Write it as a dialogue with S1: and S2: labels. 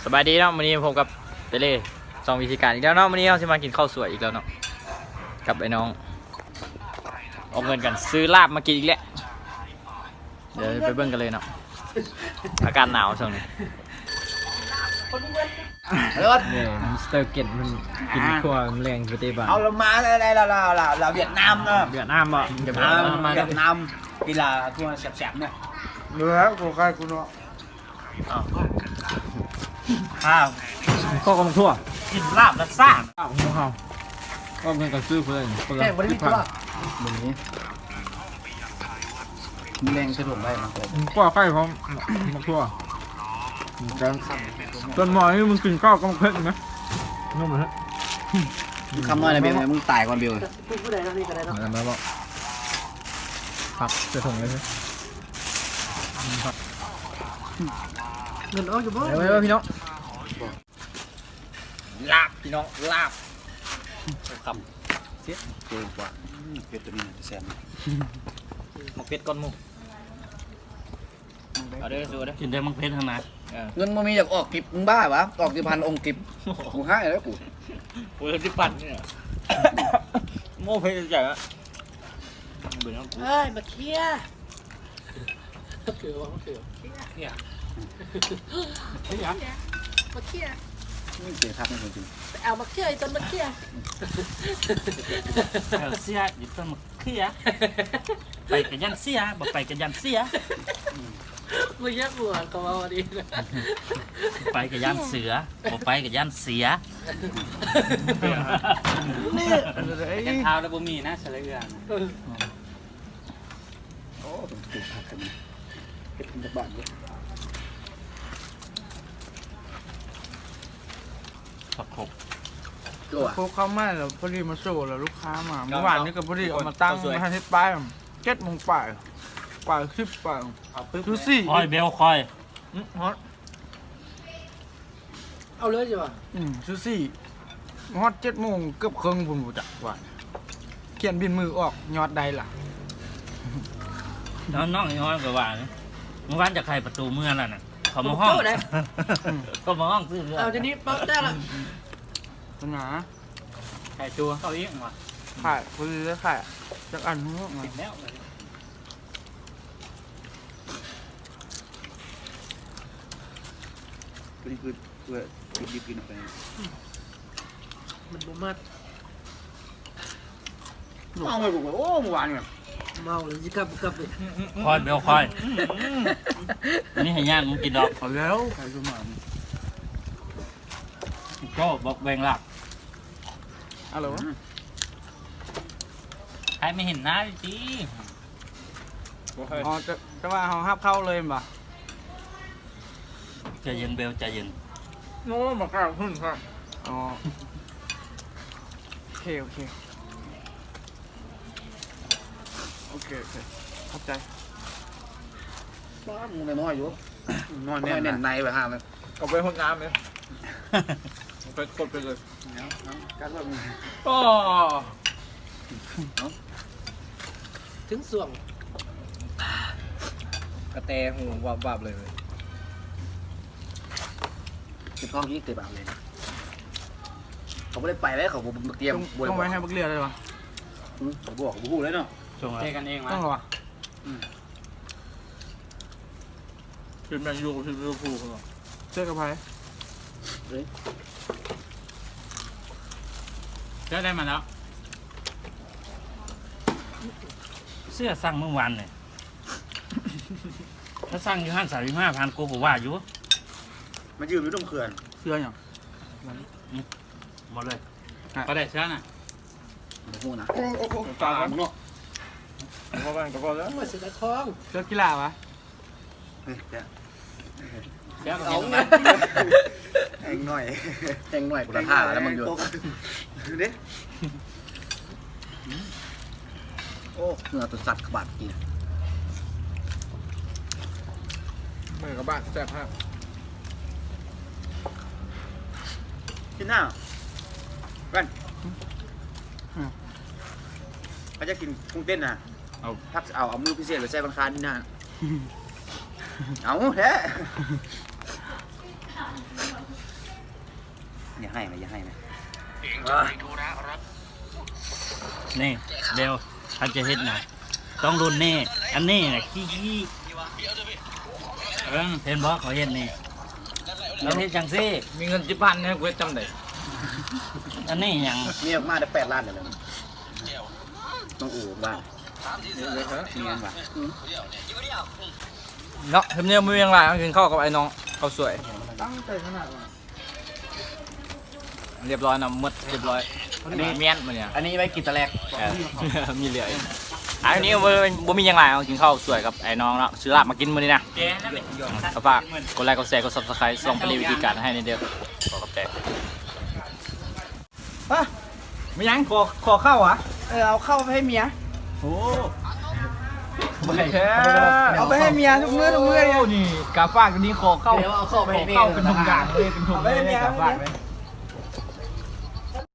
S1: สบายดีเนาะวันนี้ผมกับเปเล่สองวิธีการอีกแล้วเนาะวันนี้เราจะมากินข้าวสวยอีกแล้วเนาะกับไอ้น้องเอาเงินกันซื้อลาบมากินอีกแล้วเดี๋ยวไปเบิ่งกันเลยเนาะอากาศหนาวช่วงนี้เนี่ยมิสเตอร์เกตมันกินขั้วแรงปฏิบัติ
S2: เอาเรามาอะไรเราเวียดนามเนาะ
S1: เวียดนามบ่เวียดนาม
S2: กีฬาทั่วแสบๆเนี่ย
S3: เหลือแล้วกูใครกูเนาะ
S1: ข้าวก็กำทั่ว
S2: กินลาบและซ่า
S1: ข้าวหัวข้าวก็เงินกันซื้อเพื่อนคนละ
S2: แค่บริสุทธิ์ว่าเหมือนนี้มีแรงสะดวกได้มาเกิด
S1: กว่าไข่พร้อมมาทั่วกันจนหมอนี่มึงกินข้าวกำเพ็ญไหมนุ่มเลย
S2: คำว่าอะไรเบลมึงตายก่อนเบล
S1: อะไรมาบอกผักจะส่งเลยใช่เงินออกอยู่บ้านเดี๋ยวพี่น้องลาบพี่น้องลาบคำ
S2: เสียเกินกว่าเป็ดตัวนี้แซ่บ
S1: หมกเป็ดก้อนหมูเอาเด้อสู้เด้อ
S4: กินได้มังเพชรทางไหน
S2: เงินมันมีอยากออกกิบมึงบ้าวะออกกี่พันองค์กิบกูให้แล้วกู
S1: โอ้ยที่ปั่นเนี่ยโม่เพชรใหญ่อะเบื่อแล้วกู
S5: เฮ้ยมาเคลียร์เกลือวะมะเกลือเนี่ยมาเคลียร์
S2: ไม่เสียทักไม่จริง
S5: ไปเอามาเคลียร์จนมาเคลียร์
S4: เสียอยู่ต้นมะเขือไปกับยันเสียบ่ไปกับยันเสีย
S5: มึงยักหัวก็มาวันนี้นะ
S4: ไปกับยันเสือบ่ไปกับยันเสีย
S5: ยันเท้าแล้วบ่มีนะเฉลยกัน
S2: โอ้ต้องถูกทักกันเป็ดตะบานเนี่ย
S4: ผักขบ
S2: ตัว
S3: โคเข้ามาแล้วพอดีมาโซ่แล้วลูกค้ามาเมื่อวานนี้ก็พอดีเอามาตั้งให้ที่ป้าย7 โมงป่าย10 ป่ายดูสิ
S4: คอยเบลคอย
S3: ฮอต
S5: เอาเลยจ้ะ
S3: ซูซี่ฮอต7 โมงเกือบครึ่งผมรู้จักว่าเขียนบินมือออกยอดใดล่ะ
S4: น้องย้อนกับว่าเมื่อวานจะใครประตูเมืองแล้วน่ะเขามาห้องเขามาห้องซื้อเรือ
S5: เอาทีนี้ป๊อกได้ละ
S3: ปัญหา
S1: ไข่ตัวเขาอีกว่ะ
S3: ขายพอดีแล้วขายจากอันนู้นมา
S5: แล้ว
S2: ตัวนี้คือตัวยิบกินออกไป
S5: มันบ่มัด
S2: เอาไปกูโอ้เมื่อวานเนี่ย
S5: เมาเลยจิกลับเลย
S4: คอยเบลคอยอันนี้ให้ย่านมึงกินดอก
S3: เอาแล้วขายตัวหมา
S4: ก็บอกแบ่งหลัก
S3: อะไรวะ
S4: ใครไม่เห็นหน้าจี
S3: อ๋อจะว่าเขาฮับเข้าเลยป่ะ
S4: ใจเย็นเบลใจเย็น
S3: โน้มากล้าขึ้นครับอ๋อโอเคโอเคเข้าใจ
S2: บ้ามึงน้อยอยู่นอนแน่นในไปห้ามัน
S1: เอาไปห้องน้ำเลยไปกดไปเลย
S2: กันว่ามึง
S1: โอ้
S5: ถึงส่วง
S1: กระแตหูวับเลย
S2: ติดท้องยี่ติดแบบเลยเขาไม่ได้ไปแล้วเขาเตรียมบวย
S3: ต้องไว้ให้บักเรียเลยวะ
S2: เขาบอกบูเลยเนาะ
S4: ช่วง
S1: เจกันเอง
S3: ต้อง
S1: มั้ย
S3: เหรอวะ
S1: เป็นแมนยูกับทีมลิเวอร์พูลเหรอ
S3: เจอกับใคร
S1: เจอได้มาแล้ว
S4: เสื้อสั่งเมื่อวานเนี่ยถ้าสั่งอยู่535,000กูก็ว่าอยู่
S2: มายืมอยู่ตรงเขื่อน
S3: เสื้ออย่าง
S4: หมดเลย
S1: ก็ได้เชื้อน่ะ
S2: หูนะ
S3: ตาครับ
S2: มึงเนาะ
S1: พอกันก็พอแล้ว
S5: มาเสียทอง
S3: เสื้อกีฬาวะ
S2: เฮ้ยเดี๋ยว
S1: เชื้อ
S2: เอาไงแองหน่อยกูละท่าแล้วมึงอยู่ดิโอ้เนื้อตัวสัตว์ขบัดกิน
S3: มือกับบ้านแซ่บมาก
S2: กินหน้าแว่นเขาจะกินกุ้งเต้นนะเอาพักเอามือพิเศษไปใส่บังคาที่หน้าเอาแท้อย่าให้ไหม
S4: นี่เดี๋ยวเขาจะเฮ็ดนะต้องรุ่นนี่อันนี้นะขี้เห็นบ่เขาเฮ็ดนี่แล้วเฮ็ดจังซี่
S1: มีเงิน10,000เนี่ยกูจำได้
S4: อันนี้หยัง
S2: มีออกมาได้8 ล้านเลยต้องอู่บ้านมีเงินว่ะ
S1: เนาะทำเนียมมือยังไรกินข้าวกับไอ้น้องข้าวสวย
S3: ตั้งใจขนาดว่า
S1: เรียบร้อยนะหมดเรียบร้อยอันนี้เมียนมันเนี่ย
S2: อันนี้ไว้กินตะแลก
S1: มีเหลืออีกอันนี้บ่มียังไรกินข้าวสวยกับไอ้น้องเนาะซื้อลาบมากินมื้อนี้นะ
S4: แกนั่นแหละ
S1: ก็ฝากกดไลค์กดแชร์กด Subscribe ส่งไปรีวิธีการให้ในเดียวขอกับใจไม่ยังขอเข้าอ่ะ
S3: เอาเข้าไปให้เมีย
S1: โอ้
S3: เอาไปให้เมียทุกมื้อเลย
S1: นี่กาฝากอันนี้ขอเข้า
S2: เดี๋ยวเอาเข้าไปให้เมีย
S1: เข้าเป็นทุกอย่างเลยเป็นทุกเลยกาฝากเลย
S3: เ